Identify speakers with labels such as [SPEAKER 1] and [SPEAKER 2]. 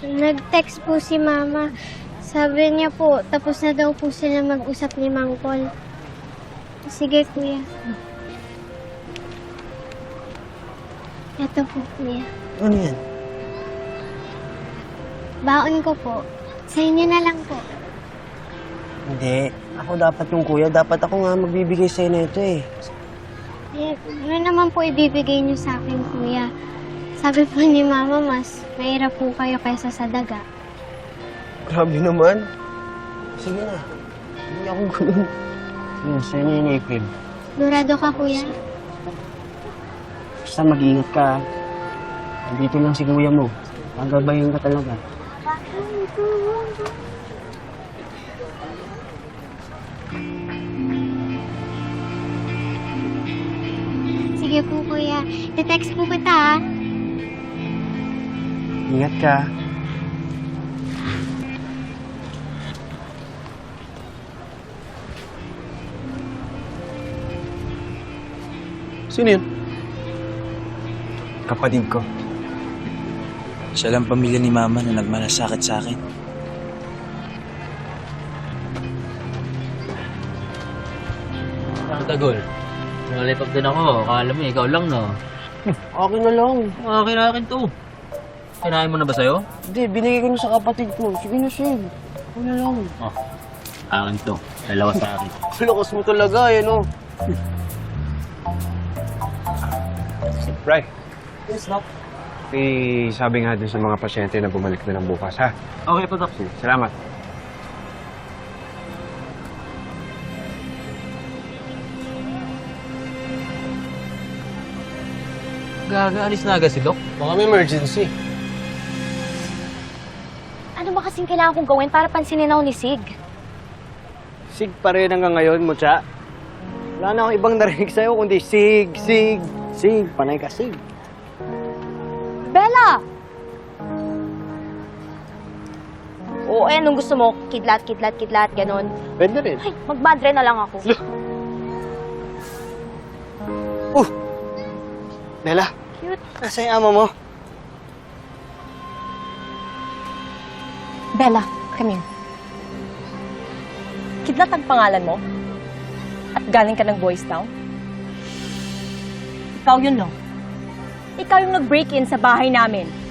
[SPEAKER 1] Nag-text po si Mama. Sabi niya po, tapos na daw po sila mag-usap ni Mang Paul. Sige, Kuya. Ito po, Kuya.
[SPEAKER 2] Ano yan?
[SPEAKER 1] Baon ko po. Sa inyo na lang po.
[SPEAKER 2] Hindi. Ako dapat yung kuya. Dapat ako nga magbibigay sa'yo na ito eh.
[SPEAKER 1] Eh, ano naman po ibibigay niyo sa akin, Kuya? Sabi po ni Mama, mas mahirap po kayo kaysa sa daga.
[SPEAKER 2] Grabe naman. Sige na. Hindi ako ganun. Yun, sa'yo na yung April.
[SPEAKER 1] Durado ka, Kuya?
[SPEAKER 2] Basta mag-ingat ka. Nandito lang si kuya mo. Magabayan ka talaga.
[SPEAKER 1] Sige po, Kuya. Te-text po kita, ha?
[SPEAKER 2] Ingat ka.
[SPEAKER 3] Sino yun? Kapatid ko.
[SPEAKER 4] Siya lang pamilya ni Mama na nagmalasakit sa akin.
[SPEAKER 5] Tagol. Nalipag din ako. Akala mo, ikaw lang, no?
[SPEAKER 2] Akin na lang.
[SPEAKER 5] Akin to. Kinain mo na ba sa'yo?
[SPEAKER 2] Hindi, binigay ko na sa kapatid ko. Sige na, Shem. Ako na lang.
[SPEAKER 5] Oh, akin to. Dalawa sa akin.
[SPEAKER 2] Lakas mo talaga, eh, no?
[SPEAKER 3] Bray,
[SPEAKER 2] Yes, Doc.
[SPEAKER 3] sabi nga dun sa mga pasyente na bumalik na lang bukas, ha?
[SPEAKER 5] Okay po, Doc.
[SPEAKER 3] Salamat.
[SPEAKER 5] Gagaalis na agad si Doc.
[SPEAKER 3] Baka may emergency.
[SPEAKER 6] Ano ba kasing kailangan kong gawin para pansinin ako ni Sig?
[SPEAKER 2] Sig pa rin hanggang ngayon, Mutya. Wala na akong ibang narinig sa'yo, kundi Sig, Sig, Sig. Panay ka, Sig.
[SPEAKER 6] Bella! Oo, anong gusto mo? Kidlat, kidlat, kidlat, ganon.
[SPEAKER 3] Pwede rin.
[SPEAKER 6] Ay, magmadre na lang ako.
[SPEAKER 2] Bella,
[SPEAKER 6] Cute.
[SPEAKER 2] nasa yung ama mo?
[SPEAKER 7] Bella, come here. Kidlat ang pangalan mo? At galing ka ng Boys Town? Ikaw yun, no? Ikaw yung nag-break-in sa bahay namin.